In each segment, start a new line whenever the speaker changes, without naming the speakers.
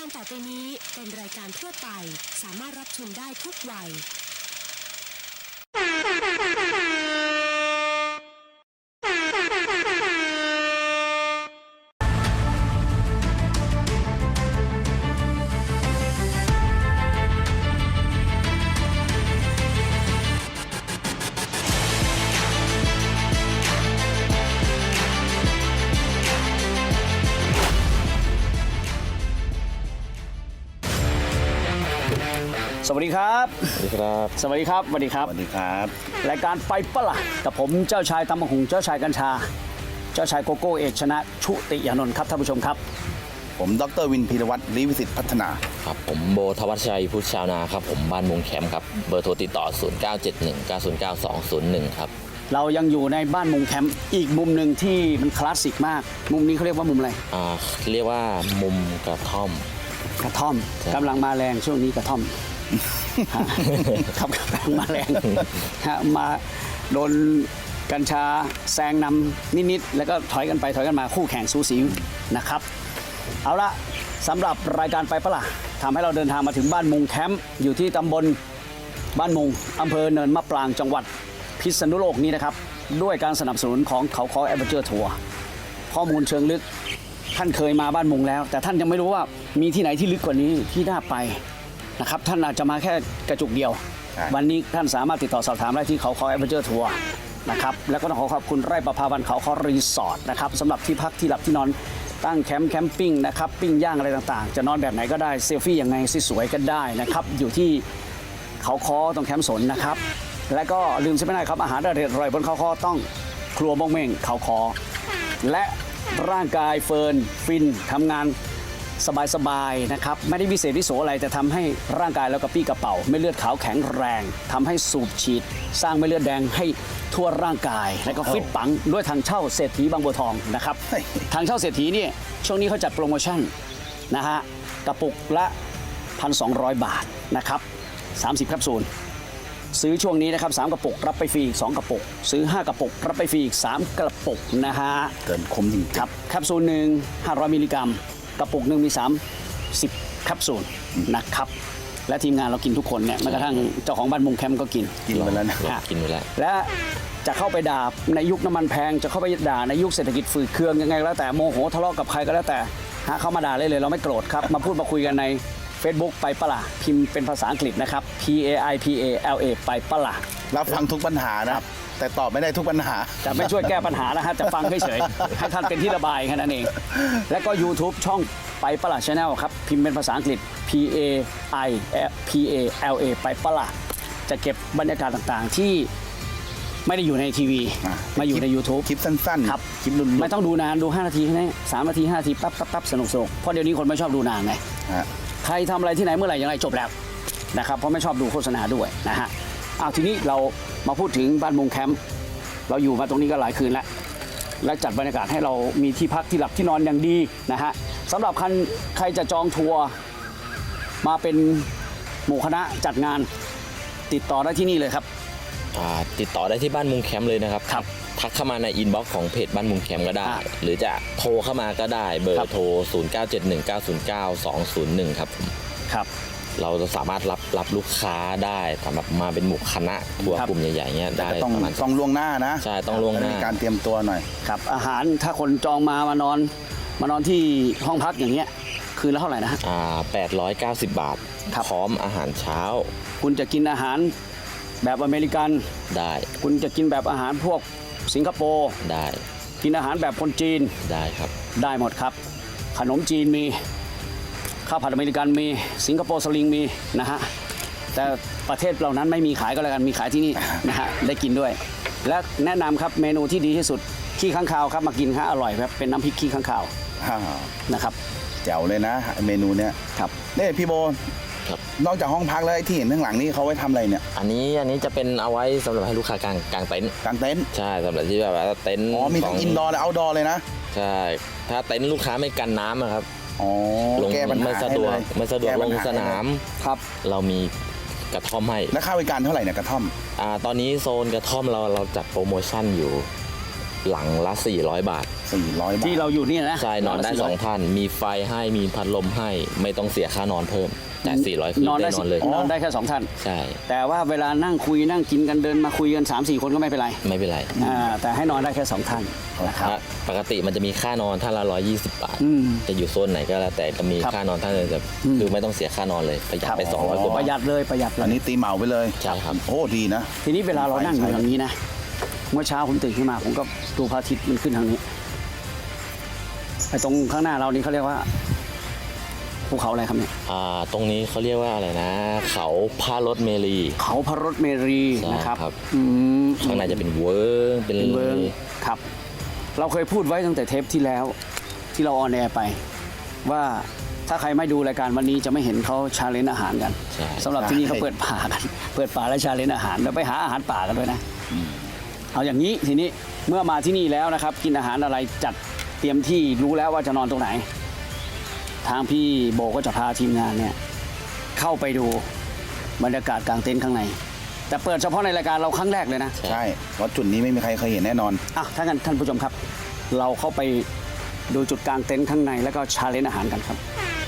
การต่อไปนี้เป็นรายการทั่วไปสามารถรับชมได้ทุกวัย
สวัสดีครับ
สวัสดีครับ
สวัสดีครับ สวัสดีครับ
สวัสดีครับ
รายการไปปะล่ะกับผมเจ้าชายตำบักหุ่งเจ้าชายกัญชา เจ้าชายโกโก้เอกชนะชุติยานนท์ครับท่านผู้ชมครับ
ผมดรวินพีรวัตรลิวิสิทธิ์พัฒนา
ครับผมโบทวัชชัยพุทธชาวนาครับผมบ้านมุงแคมป์ครับเบอร์โทรติดต่อ 0971909201 ครับ
เรายังอยู่ในบ้านมุงแคมป์อีกมุมหนึ่งที่มันคลาสสิกมาก มุมนี้เขาเรียกว่ามุมอะไร
เรียกว่ามุมกระท่อม
กระท่อมกำลังมาแรงช่วงนี้กระท่อม ครับกำลังมาแรงมาโดนกัญชาแซงนำนิดๆแล้วก็ถอยกันไปถอยกันมาคู่แข่งสูสีนะครับเอาละสำหรับรายการไปปะล่ะทำให้เราเดินทางมาถึงบ้านมุงแคมป์อยู่ที่ตำบลบ้านมุงอำเภอเนินมะปรางจังหวัดพิษณุโลกนี้นะครับด้วยการสนับสนุนของเขาคอแอดเวนเจอร์ทัวร์ข้อมูลเชิงลึกท่านเคยมาบ้านมุงแล้วแต่ท่านยังไม่รู้ว่ามีที่ไหนที่ลึกกว่านี้ที่น่าไปนะครับท่านอาจจะมาแค่กระจุกเดียววันนี้ท่านสามารถติดต่อสอบถามได้ที่เขาคอแอดเวนเจอร์ทัวร์นะครับแล้วก็ต้องขอขอบคุณไร่ประภาวันเขาคอรีสอร์ทนะครับสำหรับที่พักที่หลับที่นอนตั้งแคมปิ้งนะครับปิ้งย่างอะไรต่างๆจะนอนแบบไหนก็ได้เซลฟี่ยังไงสวยๆก็ได้นะครับอยู่ที่เขาคอตรงแคมป์สนนะครับและก็ลืมใช่ไหมได้ครับอาหารอร่อยบนเขาคอต้องครัวบ้งเม่งเขาคอและร่างกายเฟิร์นฟินทำงานสบายๆนะครับไม่ได้วิเศษวิโสอะไรแต่ทำให้ร่างกายเรากระปี้กระเป๋าไม่เลือดขาวแข็งแรงทำให้สูบฉีดสร้างไม่เลือดแดงให้ทั่วร่างกายและก็ฟิตปังด้วยทางเช่าเศรษฐีบางบัวทองนะครับทางเช่าเศรษฐีเนี่ยช่วงนี้เขาจัดโปรโมชั่นนะฮะกระปุกละ 1,200 บาทนะครับ30แคปซูลซื้อช่วงนี้นะครับ3กระปุกรับไปฟรีอีก2กระปุกซื้อ5กระปุกรับไปฟรีอีก3กระปุกนะฮะ
เกินคุ้มจริง
ครับแคปซูลหนึ่ง500มิลลิกรัมกระปุกหนึ่งมี30แคปซูลนะครับและทีมงานเรากินทุกคนเนี่ยแม้กระทั่งเจ้าของบ้านมุงแคมป์ก็กิน
กินไปแล้วนะ
กินไปแล้ว
และจะเข้าไปด่าในยุคน้ำมันแพงจะเข้าไปด่าในยุคเศรษฐกิจฝืดเคืองยังไงแล้วแต่โมโหทะเลาะกับใครก็แล้วแต่เข้ามาด่าเลยเราไม่โกรธครับมาพูดมาคุยกันใน Facebook ไปปะล่ะพิมพ์เป็นภาษาอังกฤษนะครับ PAIPALA ไปปะล่ะ
รับฟังทุกปัญหานะครับแต่ตอบไม่ได้ทุกปัญหา
จะไม่ช่วยแก้ปัญหานะฮะจะฟังเฉยๆให้ท่านเป็นที่ระบายแค่นั้นเองและก็ YouTube ช่องไปปะล่ะ Channel ครับพิมพ์เป็นภาษาอังกฤษ PAIPALA ไปปะล่ะจะเก็บบรรยากาศต่างๆที่ไม่ได้อยู่ในทีวีมาอยู่ใน YouTube
คลิปสั้นๆ
ครับ
คลิปรุ่นๆ
ไม่ต้องดูนานดู5นาทีแค่นี้3นาที5นาทีปั๊บสนุกเพราะเดี๋ยวนี้คนไม่ชอบดูนานไง
ฮะ
ใครทำอะไรที่ไหนเมื่อไหร่อย่างไรจบแล้วนะครับเพราะไม่ชอบดูโฆษณาด้วยนะฮะทีนี้เรามาพูดถึงบ้านมุงแคมป์เราอยู่มาตรงนี้ก็หลายคืนแล้วและจัดบรรยากาศให้เรามีที่พักที่หลับที่นอนอย่างดีนะฮะสำหรับใครจะจองทัวร์มาเป็นหมู่คณะจัดงานติดต่อได้ที่นี่เลยครับ
ติดต่อได้ที่บ้านมุงแคมป์เลยนะครับ
ครับ
ทักเข้ามาในอินบ็อกซ์ของเพจบ้านมุงแคมป์ก็ได้ หรือจะโทรเข้ามาก็ได้เบอ
ครับ
ร์โทร 0971909201 ครับผม
ครับ
เราจะสามารถรับลูกค้าได้สำหรับมาเป็นหมู่คณะทัวร์
ครับ
กลุ่มใหญ่ๆเงี้ยได้
ต้อง
ประมาณ
ล่วงหน้านะ
ใช่ต้องล่วงหน้า
มีการเตรียมตัวหน่อย
ครับอาหารถ้าคนจองมานอนที่ห้องพักอย่างเงี้ยคืนละเท่าไหร่นะฮะ
890 บาท
ครับ
พร้อมอาหารเช้า
คุณจะกินอาหารแบบอเมริกัน
ได้
คุณจะกินแบบอาหารพวกสิงคโปร์
ได้
กินอาหารแบบคนจีน
ได้ครับ
ได้หมดครับ ขนมจีนมีข้าวผัดอเมริกันมีสิงคโปร์สลิงมีนะฮะแต่ประเทศเหล่านั้นไม่มีขายก็แล้วกันมีขายที่นี่ นะฮะได้กินด้วย และแนะนำครับเมนูที่ดีที่สุดขี้ข้างคาวครับมากินฮะอร่อยครับเป็นน้ำพริกขี้ข้างคาวนะครับ
แจ๋วเลยนะเมนูเนี้ย
ครับ
นี่พี่โบ
ครับ
นอกจากห้องพักแล้วไอ้ที่เห็นข้างหลังนี่เขาไว้ทำอะไรเนี่ย
อันนี้จะเป็นเอาไว้สำหรับให้ลูกค้ากางเต็นท์
กางเต็นท์
ใช่สำหรับที่แบบว่าเต็นท์
อ๋อมีทั้งอินดอร์และเอาท์ดอร์เลยนะ
ใช่ถ้าเต็นท์ลูกค้าไม่กันน้ำอะครับ
อ๋อ
ลง
แก้ปัญหา
ไม่สะดวก
ให้เลย
ไม่สะดวก
แ
ลงสนาม
ครับ
เรามีกระท่อมให้
แล้วค่าบริการเท่าไหร่เนี่ยกระท่อม
ตอนนี้โซนกระท่อมเราจัดโปรโมชั่นอยู่หลังละ 400 บาท
400 บาท
ที่เราอยู่นี่นะ
ใช่นอนได้ 2 ท่าน มีไฟให้มีพัดลมให้ไม่ต้องเสียค่านอนเพิ่ม แต่ 400 คือน
อน
ได้
ได้
นอนเลย
นอนได้แค่2ท่าน
ใช่
แต่ว่าเวลานั่งคุยนั่งกินกันเดินมาคุยกัน 3-4 คนก็ไม่เป็นไร
ไม่เป็นไร
แต่ให้นอนได้แค่2ท่านนะครับ
ปกติมันจะมีค่านอนท่านละ 120 บาท
อืม
จะอยู่โซนไหนก็แล้วแต่จะมี
ครับ
ค่านอนท่านเลยจะคือไม่ต้องเสียค่านอนเลยประหยัดไป 200 กว่า
ป
บาท
ระหยัดเลยประหยัดเล
อัน
ย
นี้ตีเหมาไปเลย
ใช่ครับ
โอ้ดีนะ
ทีนี้เวลาเรานั่งอยู่ทางนี้นะเมื่อเช้าผมตื่นขึ้นมาผมก็ดูพระอาทิตย์มันขึ้นทางนี้ไอ้ตรงข้างหน้าเรานี่เขาเรียกว่าภูเขาอะไรครับเนี่ย
ตรงนี้เขาเรียกว่าอะไรนะ เขาพารถเมรี
เขาพระรถเมรี
ใช่
นะครับ
ครับ
อืม
ข้างในจะเป็นเวิร์กเป็น
เป็นเวิร์กครับ เราเคยพูดไว้ตั้งแต่เทปที่แล้วที่เราออนแอร์ไป ว่าถ้าใครไม่ดูรายการวันนี้จะไม่เห็นเขาชาเลนจ์อาหารกัน
ใช่
สำหรับที่นี่เขาเปิดป่ากัน เปิดป่าและชาเลนจ์อาหารแล้วไปหาอาหารป่ากันด้วยนะเอาอย่างนี้ทีนี้เมื่อมาที่นี่แล้วนะครับ กินอาหารอะไรจัดเตรียมที่รู้แล้วว่าจะนอนตรงไหน ทางพี่โบก็จะพาทีมงานเนี่ยเข้าไปดูบรรยากาศกลางเต็นท์ข้างใน แต่เปิดเฉพาะในรายการเราครั้งแรกเลยนะ
ใช่เพราะจุดนี้ไม่มีใครเคยเห็นแน่นอน
อ่ะถ้างั้นท่านผู้ชมครับ เราเข้าไปดูจุดกลางเต็นท์ข้างในแล้วก็ชาเลนจ์อาหารกันครับ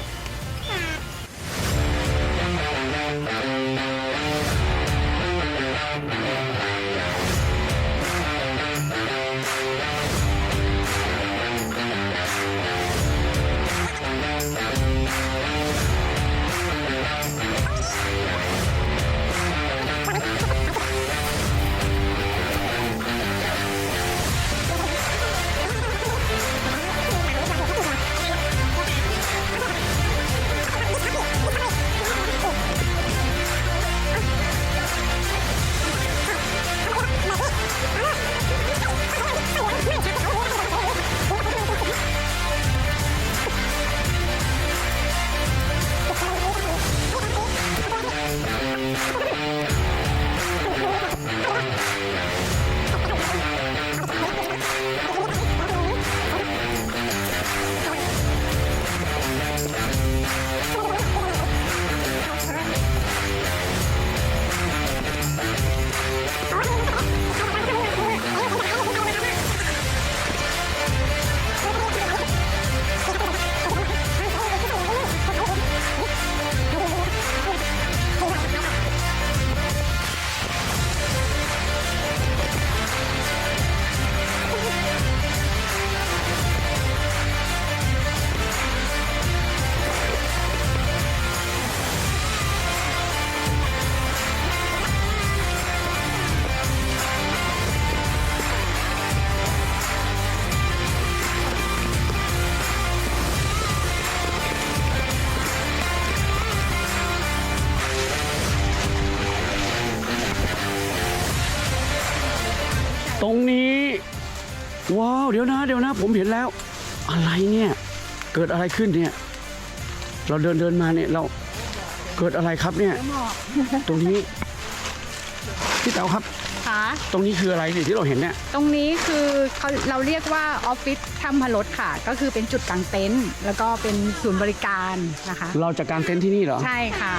ตรงนี้ว้าวเดี๋ยวนะผมเห็นแล้ว อะไรเนี่ยเกิดอะไรขึ้นเนี่ยเราเดินมาเนี่ยเราเกิดอะไรครับเนี่ยตรงนี้พี่เต๋าครับ
ค่ะ
ตรงนี้คืออะไรที่เราเห็นเนี่ย
ตรงนี้คือเราเรียกว่าออฟฟิศถ้ำพรสค่ะ ก็คือเป็นจุดกางเต็นท์แล้วก็เป็นศูนย์บริการนะคะ
เราจะกางเต็นท์ที่นี่เหรอ
ใช่ค่ะ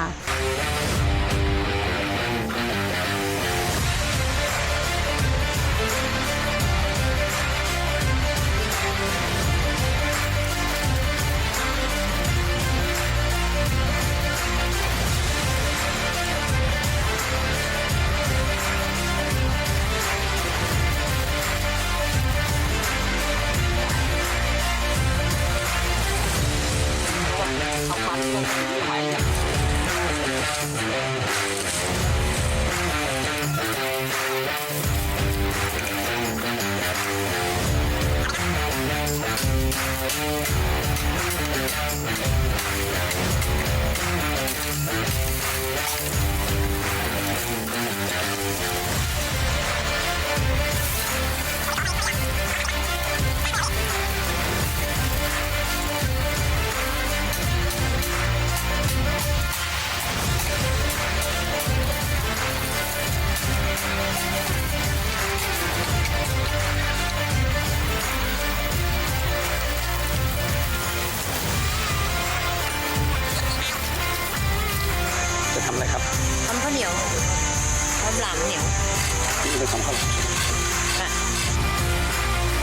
จะทำอะไรครับ
ทำข้าวเหนียวทำหลามเหนียว
จะทำข้าวหลาม
ค่ะ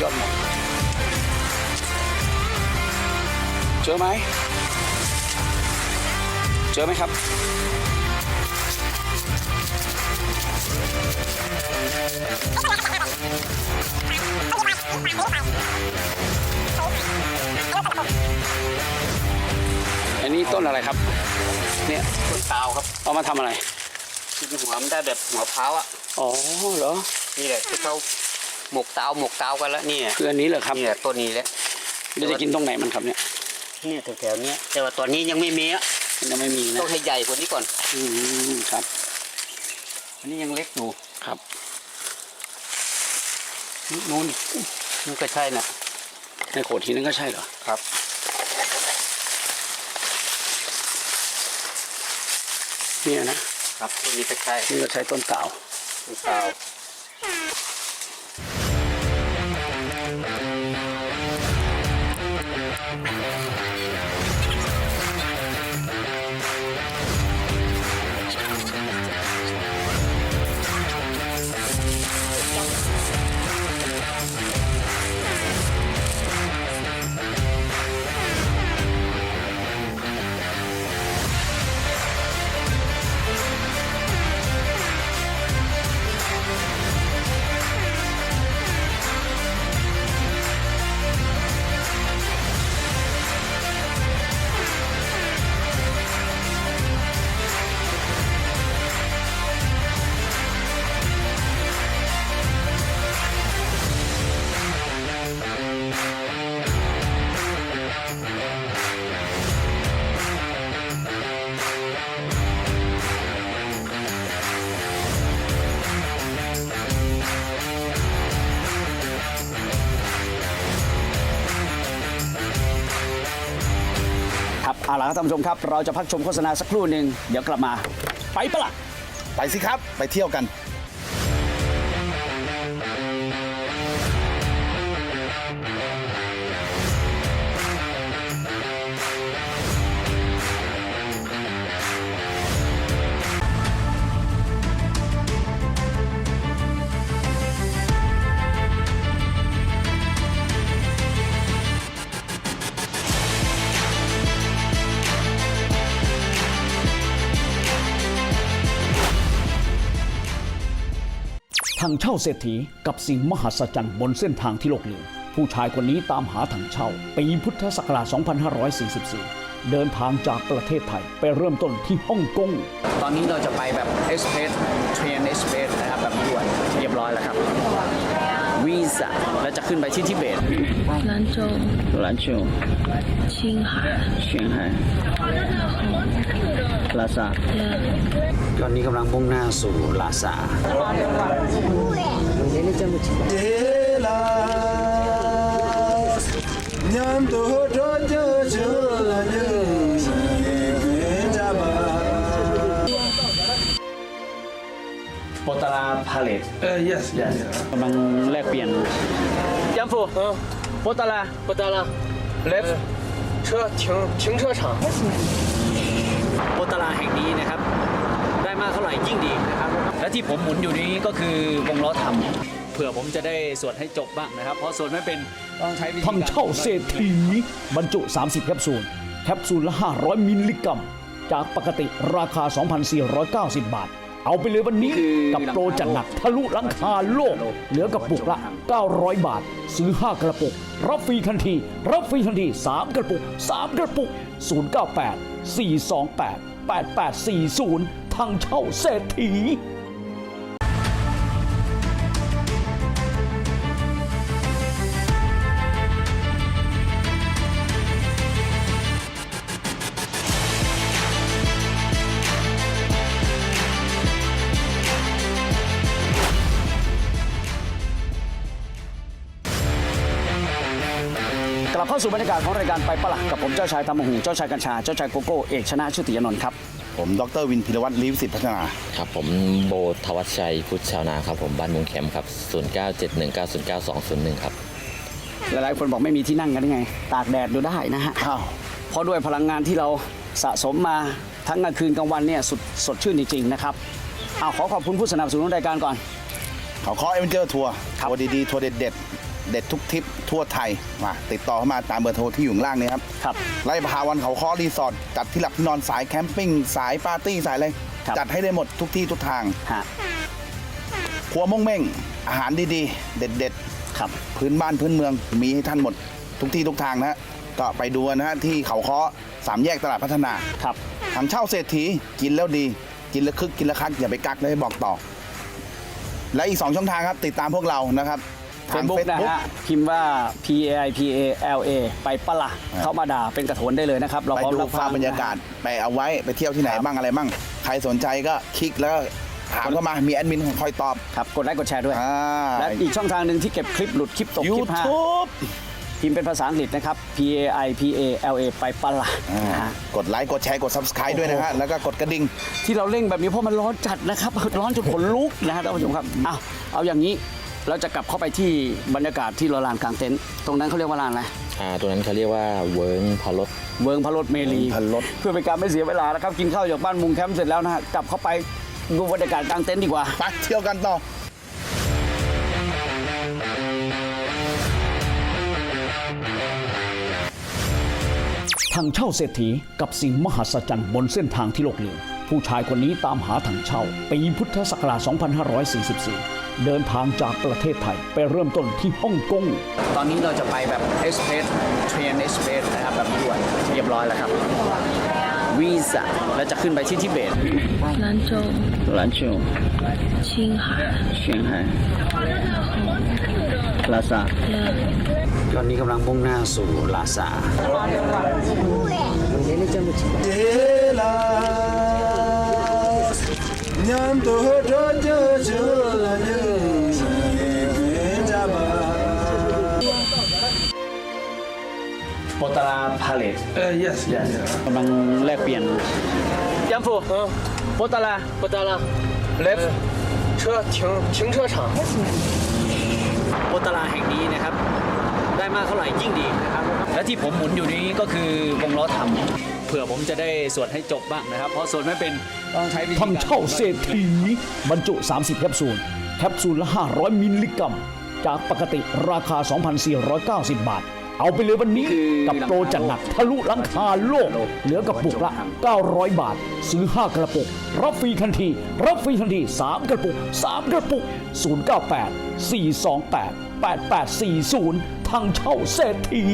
ยอดหมดเจอไหมเจอไหมครับอันนี้ต้นอะไรครับเนี่ย
ต้นตาวครับ
เอามาทำอะไร
กินหัวมันได้แบบหัวพร้าวอ่ะ
อ๋อเหรอ
นี่แหละที่เขาหมกตาวกันแล้วนี่
คืออันนี้เหรอครับ
นี่แหละต้นนี้แหละ
เราจะกินตรงไหนมันครับเนี่ย
เนี่ยแถวๆเนี้ยแต่ว่าตอนนี้ยังไม่มีอ่ะ
ยังไม่มีนะ
ต้องให้ใหญ่กว่านี้ก่อน
ครับ
อันนี้ยังเล็กอยู่
ครับ
นู่นนี่ก็ใช่น่ะ
ในโขดหินนั่นก็ใช่เหรอ
ครับ
เนี่ยนะครับ
ต้นนี้ก็ใช่
นี่ก็ใช้ต้นเต่า
ต้นตาว
ครับเอาล่ะครับท่านผู้ชมครับ เราจะพักชมโฆษณาสักครู่หนึ่งเดี๋ยวกลับมา ไปปะล่ะ
ไปสิครับ ไปเที่ยวกัน
ถังเช่าเศรษฐีกับสิ่งมหัศจรรย์บนเส้นทางที่โลกลืมผู้ชายคนนี้ตามหาถังเช่าปีพุทธศักราช 2544 เดินทางจากประเทศไทยไปเริ่มต้นที่ฮ่องกง ตอนนี้เราจะไปแบบเอสเพรสเทรนเอสเพรสนะครับแบบด่วนเรียบร้อยแล้วครับวีซ่าแล้วจะขึ้นไปที่ทิเบต
兰州、
兰州
青海、
เชียงไฮ้ลาซาตอนนี้กำลังมุ่งหน้าสู่ลาซา โปตาราพาเลตyes กำลังแลกเปลี่ยนยัมฟูโปตาราleft
停车场
โปตาราแห่งนี้นะครับ ได้มากเท่าไหร่ยิ่งดีนะครับ และที่ผมหมุนอยู่นี้ก็คือวงล้อทำเผื่อผมจะได้สวดให้จบบ้างนะครับ เพราะสวดไม่เป็นต้องใช้วิธีการทำเช่าเศรษฐีบรรจุ 30 แคปซูล แคปซูลละ 500 มิลลิกรัม จากปกติราคา 2,490 บาท เอาไปเลยวันนี้กับโปรจัดหนักทะลุหลังคาโลก เหลือกระปุกละ 900 บาท ซื้อ 5 กระปุก รับฟรีทันที 3 กระปุก 098 428 8840 ทางเช่าเศรษฐี กลับเข้าสู่บรรยากาศของรายการไปปะละกับผมเจ้าชายตามหูเจ้าชายกัญชาเจ้าชายโกโก้เอกชนะชุติยนนท์ครับ
ผมดรวินพิรวัตรลีวิสิทธิ์พัฒนา
ครับผมโบทวัชชัยพุทธชาวนาครับผมบ้านมุงแคมป์ครับ 0971909201 ครับ
หลายๆคนบอกไม่มีที่นั่งกันได้ไง ตากแดดดูได้นะฮะเพราะด้วยพลังงานที่เราสะสมมาทั้งกลางคืนกลางวันเนี่ยสดชื่นจริงๆนะครับขอขอบคุณผู้สนับสนุนรายการก่อน
เขาเคาะเอเวนเจอร์ทัวร์ทัวร์ดีๆทัวร์เด็ดๆด็ดๆทุกทริปทั่วไทยมาติดต่อเข้ามาตามเบอร์โทรที่อยู่ข้างล่างนี้ครับ
ครับ
ไร่ประภาวันเขาค้อรีสอร์ทจัดที่หลับที่นอนสายแคมปิ้งสายปาร์ตี้สายอะไร
ครับ
จัดให้ได้หมดทุกที่ทุกทาง
ฮะ
ครัวม่งเม่งอาหารดีๆ เด็ด
ครับ
ๆ พื้นบ้านพื้นเมืองมีให้ท่านหมดทุกที่ทุกทางนะฮะก็ไปดูกันนะฮะที่เขาค้อ3 แยกตลาดพัฒนา
ครับ
ทางเช่าเศรษฐีกินแล้วดี กินแล้วคึกกินแล้วคักอย่าไปกักเลยบอกต่อ และอีก 2 ช่องทางครับ ติดตามพวกเรานะครับ
เฟ
ทาง
ซบุ๊กนะ
Facebook
ฮะพิมพ์ว่า PAIPALA ไปปะละเข้ามาด่าเป็นกระโถนได้เลยนะครับ เรา
ไป
พร้อม
ดู
รับ
ภาพบรรยากาศไปเอาไว้ไปเที่ยวที่ไหนบ้างอะไรบ้างใครสนใจก็คลิกแล้วก็ถามเข้ามามีแอดมินคอยตอบ
ครับกดไลค์กดแชร์ด้วย
อ่า
และอีกช่องทางหนึ่งที่เก็บคลิปหลุดคลิปตกคลิปฮะ
YouTube
พิมพ์เป็นภาษาอังกฤษนะครับ PAIPALA ไปปะละนะฮะ
กดไลค์กดแชร์กด Subscribe ด้วยนะฮะแล้วก็กดกระดิ่ง
ที่เราเร่งแบบนี้เพราะมันร้อนจัดนะครับ ร้อนจนขนลุกนะฮะท่านผู้ชมครับเอาอย่างนี้เราจะกลับเข้าไปที่บรรยากาศที่เราลานกลางเต็นท์ตรงนั้นเขาเรียกว่าลานอะไร
ตัวนั้นเขาเรียกว่าเวิร์งพารถ
เวิร์งพระรถเมลี
พระรถ
เพื่อเป็นการไม่เสียเวลานะครับกินข้าวจากบ้านมุงแคมป์เสร็จแล้วนะฮะกลับเข้าไปดูบรรยากาศกลางเต็นท์ดีกว่า
ไปเที่ยวกันต่อ
ถังเช่าเศรษฐีกับสิ่งมหัศจรรย์บนเส้นทางที่โลกลืมผู้ชายคนนี้ตามหาถังเช่าปีพุทธศักราช 2544 เดินทางจากประเทศไทยไปเริ่มต้นที่ฮ่องกง
ตอนนี้เราจะไปแบบเอสเพรสเทรนเอสเพรสนะครับแบบด่วนเรียบร้อยแล้วครับวีซ่าแล้วจะขึ้นไปที่ทิเบต
兰州、
兰州
青海、
เชียงไฮ้ลาซาตอนนี้กำลังมุ่งหน้าสู่ลาซา โปตาราพาเลต
yes
กำลังแลกเปลี่ยนยัมฟูโปตารา
不得了，
เลฟ
车停车场。
โปตาราแห่งนี้นะครับ ได้มากเท่าไหร่ยิ่งดีนะครับ และที่ผมหมุนอยู่นี้ก็คือวงล้อทำเผื่อผมจะได้สวดให้จบบ้างนะครับ เพราะสวดไม่เป็นต้องใช้วิธี
ถังเช่าเศรษฐีบรรจุ 30 แคปซูล แคปซูลละ 500 มิลลิกรัม จากปกติราคา 2,490 บาท เอาไปเลยวันนี้กับโปรจัดหนักทะลุหลังคาโลก เหลือกระปุกละ 900 บาท ซื้อ 5 กระปุก รับฟรีทันที รับฟรีทันที 3 กระปุก 3 กระปุก 098 428 8840 ถังเช่าเศรษฐี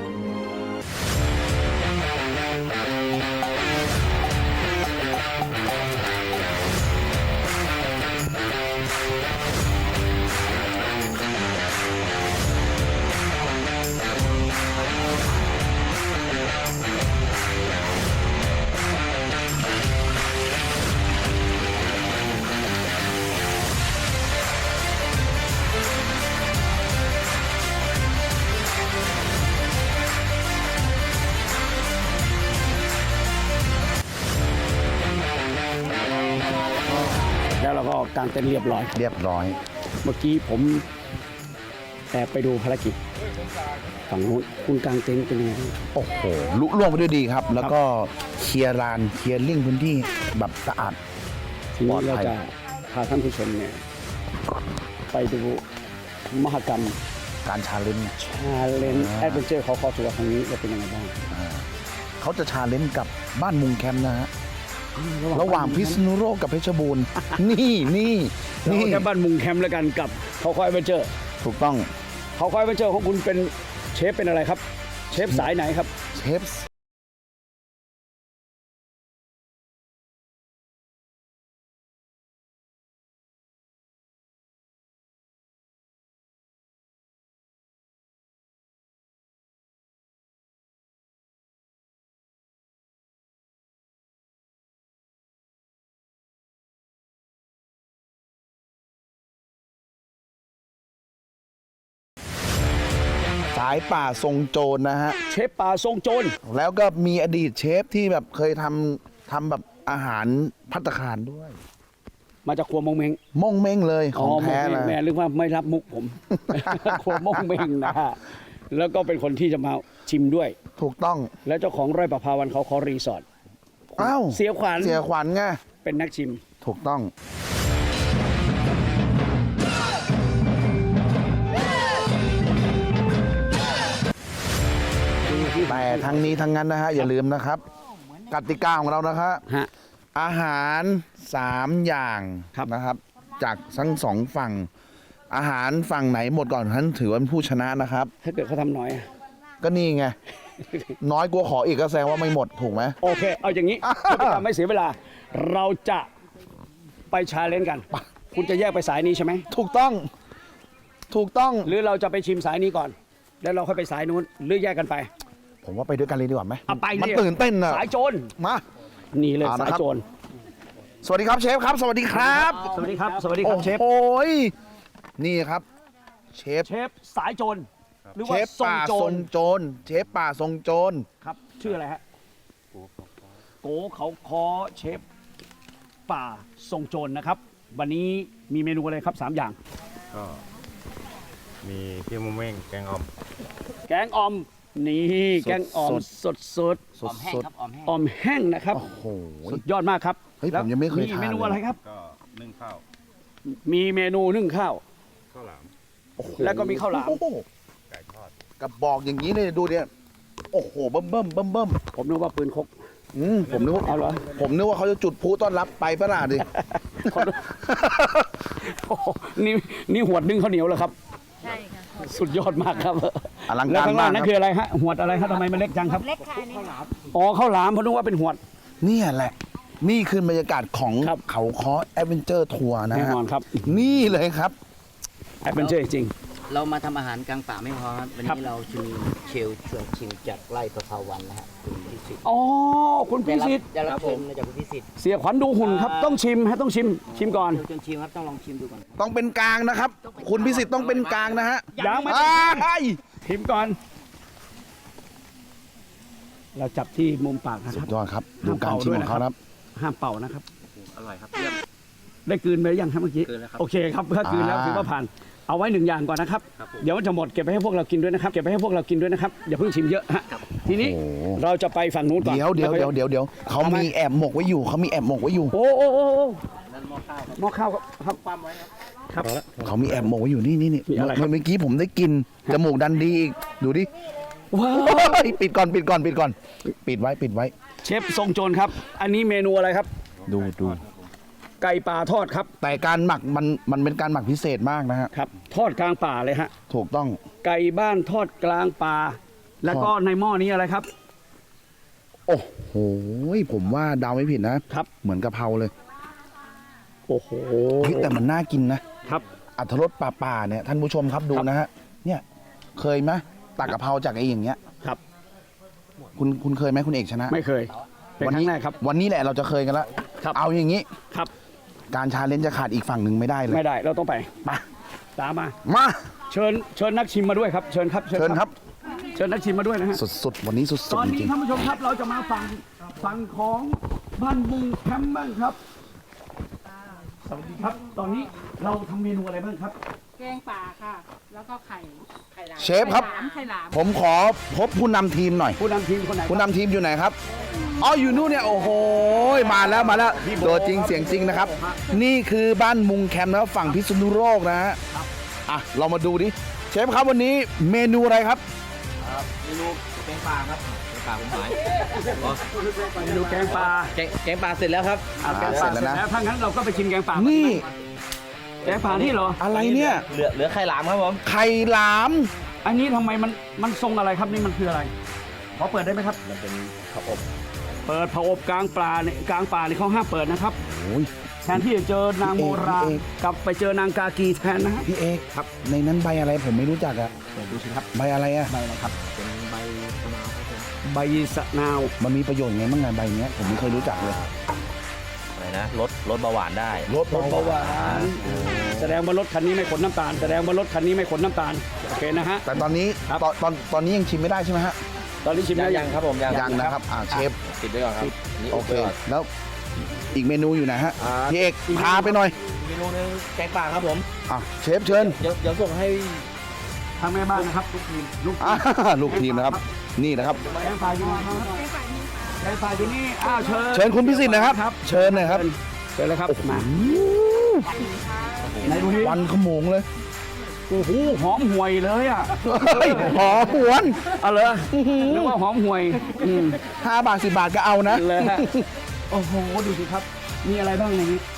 แล้วเราก็กางเต็นท์เรียบร้อย
เรียบร้อย
เมื่อกี้ผมแอบไปดูภารกิจฝั่งนู้นคุณกางเต็นท์เป็นยังไงบ้าง
โอ้โหลุล่วงไปด้วยดีครับ แล้วก็เคลียร์ลานเคลียร์ลิ่งพื้นที่แบบสะอาด
ทีนี้เราจะพาท่านผู้ชมเนี่ยไปดูมหกรรม
การชาเลนจ์
ชาเลนจ์แอดเวนเจอร์เขาคอทัวร์ครั้งนี้จะเป็นยังไงบ้าง
เขาจะชาเลนจ์กับบ้านมุงแคมป์นะฮะระหว่างพิษณุโลกกับเพชรบูรณ์ นี่
เราแค่บ้านมุงแคมป์แล้วกันกับเขาคอยแอดเวนเจอร์
ถูกต้อง
เขาคอยแอดเวนเจอร์ของคุณเป็นเชฟเป็นอะไรครับ เชฟสายไหนครับ
เชฟสายป่าทรงโจรนะฮะ
เชฟป่าทรงโจร
แล้วก็มีอดีตเชฟที่แบบเคยทำแบบอาหารภัตตาคารด้วย
มาจากครัวมงเมง
ม่งเม้งเลยของแท้
มงเม้
นะ
งแม่นึกว่าไม่รับมุกผม ครัวมงเมงนะฮะแล้วก็เป็นคนที่จะมาชิมด้วย
ถูกต้อง
และเจ้าของไร่ประภาวันเขาขอรีสอร์ท
อ้าว
เสียขวัญ
เสียขวัญไง
เป็นนักชิม
ถูกต้องแต่ทั้งนี้ทั้งนั้นนะฮะอย่าลืมนะครับ กติกาของเรานะครับ
ฮะ
อาหาร3อย่าง
ครับ
นะครับ จากทั้ง2ฝั่งอาหารฝั่งไหนหมดก่อนท่านถือว่าเป็นผู้ชนะนะครับ
ถ้าเกิดเขาทำน้อยอะ
ก็นี่ไง น้อยกลัวขออีกก็แสดงว่าไม่หมดถูกไหม
โอเค เอาอย่างนี้เพื่อเป็นการไม่เสียเวลา เราจะไปชาเลนจ์กัน คุณจะแยกไปสายนี้ใช่ไหม
ถูกต้องถูกต้อง
หรือเราจะไปชิมสายนี้ก่อน แล้วเราค่อยไปสายนู้น หรือแยกกันไป
ผมว่าไปด้วยกันเลยดีกว่าไหม
เอาไป
มัน
ดิ
ตื่นเต้นอะ
สายโจร
มา
นี่เลย
เอานะ
สาย
ครับ
โจร
สวัสดีครับเชฟครับ สวัสดีครับ
สวัสดีครับ สวัสดีครับเชฟ
โอ้ยนี่ครับ เชฟ
เชฟสายโจร หรือ
เช
ว่า
ฟ
ทรง
ป่า
โจ
ทร
ร
งโจรเชฟป่าทรงโจร
ครับ ชื่ออะไรฮะ โกเขาคอเชฟป่าทรงโจรนะครับ วันนี้มีเมนูอะไรครับ 3 อย่าง
ก็มีพี่มุ้งเม้งแกงอ่อม
แกงอ่อม นี่แกงอ่อมสดสด
สดสด
ๆอ่อมแห้งนะครับ
โอ้โห
สุดยอดมากครับ
เฮ้ย
แล้ว
ผมยังไม่เคยทาน
เมนู
เลย
อะไรครับ
ก็นึ่งข้าว
มีเมนูนึ่งข้าว
ข้าวหลาม
โอ้โห
แล้วก็มีข้าวหลาม
โอ้โ
ไก่ทอด
กระบอกอย่างนี้เนี่ยดูเนี่ยโอ้โหเบิ่มเบิ่มเบิ่มเบิ่ม
ผมนึกว่าปืนคก
ผมนึกว่า
เอาเหรอ
ผมนึกว่าเขาจะจุดพลุต้อนรับไปประหลาดดิ
โอ้โหนี่หวดนึ่งข้าวเหนียวเหรอครับ
ใช่ค่ะ
สุดยอดมากครับ
อลัง
แล้ว
การ
ข้างล่าง
มาก
นั่น
ค
คือ
รับ
อะไรฮะหวดอะไรฮะทำไมมันเล็กจังครับ
เล็กค่ะนี่
อ๋อข้าวหลามผมนึกว่าเป็นหวด
เนี่ยแหละ นี่คือบรรยากาศของ
ครับ
เขาค้อแอดเวนเจอร์ทัวร์นะ
แน่
ฮะ
นอนครับ
นี่เลยครับ
แอดเวนเจอร์จริง
เรามาทำอาหารกลางป่าไม่พอครับวัน
ครับ
นี้เราชิมเชลชวนชิมจากไร่ประภาวันนะฮะคุณพิสิทธิ์
อ๋อคุณพิสิทธิ์
ได้รับเชิญมาจากคุณพิสิทธิ์
เสียขวัญดูหุ่นครับ ต้องชิมฮะต้องชิมก่อน
เชลชวนชิมครับต้องลองชิมดูก่อน
ต้องเป็นกลางนะครับ คุณพิสิทธิ์ต้องเป็นกลางนะฮะ
ยังไม่
อ้าย
ชิมก่อน เราจับที่มุมปากนะค
สุ
รั
ด
บ
ยอดครับ ดูการชิมของเขาครับ
ห้ามเป่านะครับ
อร่อยครับเยี่ยม
ได้กลืนไปหรือยังครับเมื่อกี้
กลืนแล้วครับ
โอเคครับถ้ากลืนแล้วถือว่าผ่านเอาไว้1 อย่างก่อนนะครับ เดี๋ยวมันจะหมดเก็บไปให้พวกเรากินด้วยนะครับเก็บไปให้พวกเรากินด้วยนะครับอย่าเพิ่งชิมเยอะฮะทีนี้
โอ้โห
เราจะไปฝั่งนู้นก่อน
เดี๋ยวเขา
ทำไม
มีแอบหมกไว้อยู่เขามีแอบหมกไว้อยู่
โอ้หม้อข้าวครับความไว้ครับ
เขามีแอบหมกไว้อยู่นี่
มีอะไรครับ
เมื่อกี้ผมได้กินจมูกดันดีอีกดูดิ
ว้าว
โอ้ยปิดก่อนปิดไว้
เชฟทรงโจรครับ อันนี้เมนูอะไรครับ
ดู
ไก่ป่าทอดครับ
แต่การหมักมันเป็นการหมักพิเศษมากนะฮะ
ครับทอดกลางป่าเลยฮะ
ถูกต้อง
ไก่บ้านทอดกลางป่า แล้วก็ในหม้อนี้อะไรครับ
โอ้โหผมว่าเดาไม่ผิดนะครับ เหมือนกะเพราเลย
โอ้โห
เฮ้ยแต่มันน่ากินนะครับ อรรถรสป่าๆเนี่ยท่านผู้ชมครับดูนะฮะเนี่ยเคยไหมตักกะเพราจากไอ้อย่างเงี้ย
ครับ
คุณเคยไหมคุณเอกชนะ
ไม่เคยเป็นครั้งแรกครับ
วันนี้แหละเราจะเคยกันแล้ว
ครับ
เอาอย่างนี้
ครับ
การชาเลนจ์จะขาดอีกฝั่งหนึ่งไม่ได้เลย
ไม่ได้เราต้องไป
มา
ตามมา
มา
เชิญนักชิมมาด้วยครับเชิญครับ
เชิญครับ
เชิญนักชิมมาด้วยนะฮะ
สุดๆวันนี้สุด
ตอน
ๆจ
นี้
ริง
ท่านผู้ชมครับเราจะมาฝั่งของบ้านบุงแคมป์บ้างครับสวัสดีครับ ตอนนี้เราทำเมนูอะไรบ้างครับ
แกงป่าค่ะ แล้วก็ไข่หลาม
เชฟครับ
ไข่หลาม
ผมขอพบผู้นำทีมหน่อย
ผู้นำทีมคนไหน
ผู้นำทีมอยู่ไหนครับอ๋ออยู่นู่นเนี่ยโอ้โหมาแล้วตัวจริงเสียงจริงนะครับ นี่คือบ้านมุงแคมป์นะครับฝั่งพิษณุโลกนะฮะอ่ะเรามาดูดิเชฟครับวันนี้เมนูอะไรครับ
เมนูแกงปลาครับแกงปลาผมหาย
เมนูแกงปลา
แกงปลาเสร็จแล้วครับ
แกงปลา
เสร็จแล้วนะ
ถ้างั้นเราก็ไปชิมแกงปลา
นี่
แกงปลานี่เหรอ
อะไรเนี่ย
เหลือไข่หลามครับผม
ไข่หลาม
อันนี้ทำไมมันทรงอะไรครับนี่มันคืออะไรขอเปิดได้ไหมครับ
มันเป็นข้าวอบ
เปิดผอบกลางปลาเนี่ยกลางป่าเนี่ยเขาห้ามเปิดนะครับ
โอ้ย
แทนที่จะเจอนางโมรา
พี่เอก
กลับไปเจอนางกากีแทนนะฮะ
พี่เอกครับในนั้นใบอะไรผมไม่รู้จักอะ
เปิดดูสิครับ
ใบอะไรอะ
ใบอะไรครับ
เป็นใบมะนาวครับผม
ใบสะนาว
มันมีประโยชน์ไงบ้างไงใบเนี้ยผมไม่เคยรู้จักเลย
อะไรนะลดเบาหวานได้
ลด
รถเบาหวานแสดงว่ารถคันนี้ไม่ขนน้ำตาล แสดงว่ารถคันนี้ไม่ขนน้ำตาลโอเคนะฮะ
แต่ตอนนี้
ครับ
ตอนนี้ยังชิมไม่ได้ใช่ไหมฮะ
ตอนนี้ชิมแล้ว
ยังครับผมยัง
ยังนะครับเชฟ
ปิดไว้ก่อนครับนี่
โอเค
ปิดไว้ก่อน
แล้วอีกเมนูอยู่ไหนฮะ
อ่า
พี่เอกพาไปหน่อย
เมนูนึงแกงปลาครับผม
อ่ะเชฟเชิญ
เดี๋ยวส่งให้
ทางแม่บ้านนะครับลูกทีม
อ่าลูกทีมนะครับ นี่นะครับ
แกงปลาอยู่นี่ครับแกงปลาอยู่นี่อ้าวเชิญ
เชิญคุณพิสิทธิ์นะครับ เชิญหน่อยครับ
เชิญเลยครับมาไหนดูนี่
วันขโมงเลย
โอ้โหหอมห่วยเลยอ่ะ
เฮ้ยหอมหวน
เอาเลยนึกว่าหอมห่วย
5 บาท 10 บาทก็เอานะ
เลยฮะโอ้โหดูสิครับมีอะไรบ้างในนี้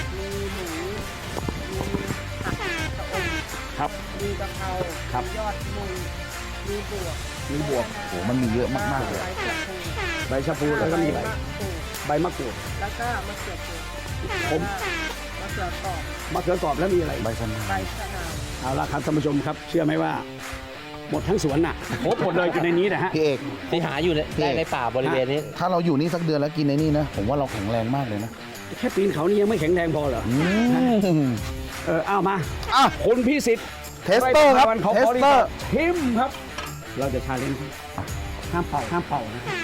ครับมีกะเพราครับยอดมุงมีบวก
โอ้มันมีเยอะมากๆเลย
ใบชะพูแล้วก็มีใบมะกรูด
แล้วก็มะเขือเทศ
ผม
มะเขือกรอบ
มะเขือกรอบแล้วมีอะไร
ใบสัน
ใบชะนาว
เอาละครับท่านผู้ชมครับเชื่อไหมว่า หมดทั้งสวนน่ะครบหมดเลยอยู่ในนี้นะฮะ
พี่เอก
ที่หาอยู่ในป่าบริเวณนี้
ถ้าเราอยู่นี่สักเดือนแล้วกินในนี่นะ ผมว่าเราแข็งแรงมากเลยนะ
แค่ปีนเขานี่ยังไม่แข็งแรงพอเหรอ
ม
เอามา
อ่ะ
คุณพิสิทธิ์
เทสเตอร์ครับ
เขา
เท
ข
ส
อรี
เตอ
บ
ร์
ทิมครับ เราจะชาเลนจ์ห้ามเป่านะครับ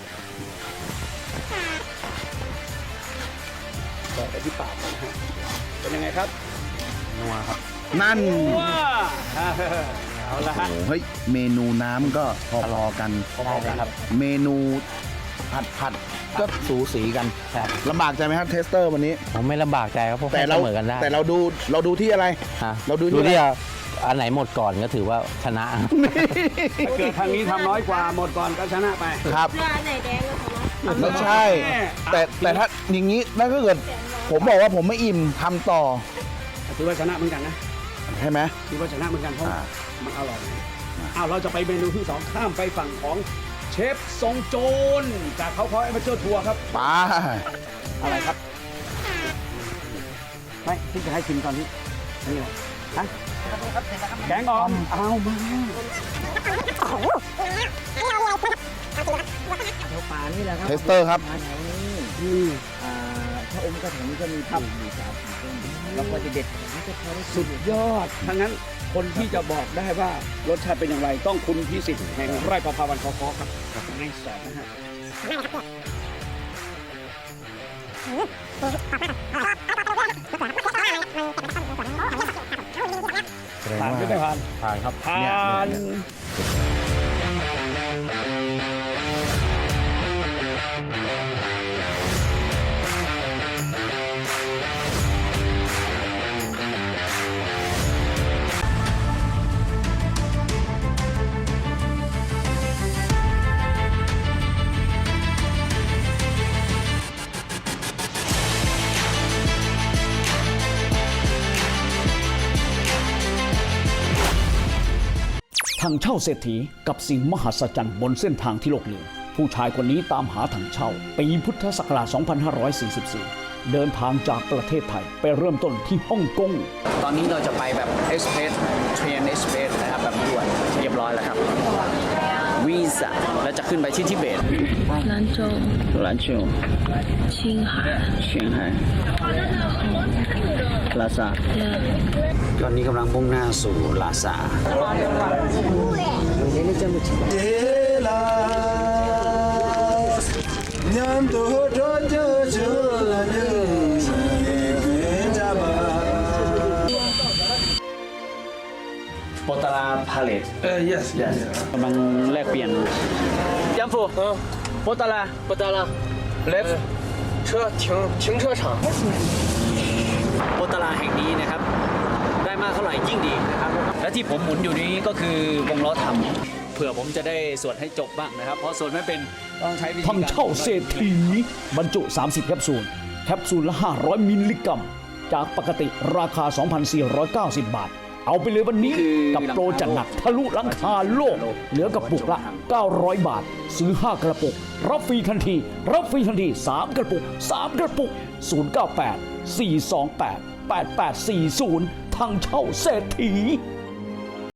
ต่อไปที่ปากนะฮะเป็นยังไงครับ
นั่น
ว้าเอาละฮะ
โอ้เฮ้ย เมนูน้ำก็พอๆกัน
ได้เลยครับ
เมนูผัดก็สูสีกัน
ใช่
ลำบากใจไหมครับเทสเตอร์วันนี้
ผมไม่ลำบากใจครับเพราะ
แต่
ให้
เรา
เสมอกันได้
แต่เราดูที่อะไร
ฮะ
เราดู
ดู
ที่
ที่อันไหนหมดก่อนก็ถือว่าชนะ
ถ้าเกิดทางนี้ทำน้อยกว่าหมดก่อนก็ชนะไป
ครับ
เสื้อไหนแดงก็ชนะ
ไม่ใช่ แต่ถ้าอย่างนี้นั่นก็เกิด ผมบอกว่าผมไม่อิ่มทำต่อ
ถือว่าชนะเหมือนกันนะ
ใช่ไหม
ถือว่าชนะเหมือนกันเพราะ
อ่า
มันอร่อยเราจะไปเมนูที่ 2 ข้ามไปฝั่งของเชฟทรงโจรจากเขาคอยมาเจอทัวร์ครับ
ไป
อะไรครับไม่ที่จะให้ชิมตอนนี้นี่อะไรฮะแกงอ่อมเอามา
ป่านี่แหละครับ
เทสเตอร์ครับ
อืม
ถ้าอมกระถิ่นก็มีปลูกอยู่3-4ต้นแล้วก็จะเด็ดนี่จะพอได้
สุดยอดทั้งนั้นคนที่จะบอกได้ว่ารสชาติเป็นอย่างไรต้องคุณพิสิทธิ์แห่งไร่ประภาวันคอครับในสอนนะฮะ ผ่านหรือไม่ผ่าน
ผ่านครับ
ผ่าน
ถังเช่าเศรษฐีกับสิ่งมหัศจรรย์บนเส้นทางที่โลกลืมผู้ชายคนนี้ตามหาถังเช่าปีพุทธศักราช 2544 เดินทางจากประเทศไทยไปเริ่มต้นที่ฮ่องกง
ตอนนี้เราจะไปแบบเอ็กซ์เพรสเทรนเอ็กซ์เพรสนะครับแบบด่วนเรียบร้อยแล้วครับวีซ่าแล้วจะขึ้นไปที่ทิเบต
兰州、
兰州
青海、
เชียงไฮ้ลาซา
对。
ตอนนี้กำลังมุ่งหน้าสู่ลาซาโปตาราพาเลตyes กำลังแลกเปลี่ยนยัมฟูโปตาราleft
车停车场。
โปตาราแห่งนี้นะครับ ได้มากเท่าไหร่ยิ่งดีนะครับ และที่ผมหมุนอยู่นี้ก็คือวงล้อทำเผื่อผมจะได้สวดให้จบบ้างนะครับ เพราะสวดไม่เป็นต้องใช้วิธี
ถัง
การ
เช่าเศรษฐีบรรจุ 30 แคปซูล แคปซูลละ 500 มิลลิกรัม จากปกติราคา 2,490 บาท เอาไปเลยวันนี้กับโปรจัดหนักทะลุหลังคาโลก เหลือกระปุกละ 900 บาท ซื้อ 5 กระปุก รับฟรีทันที 3 กระปุก 098 428 8840 ทางเช่าเศรษฐี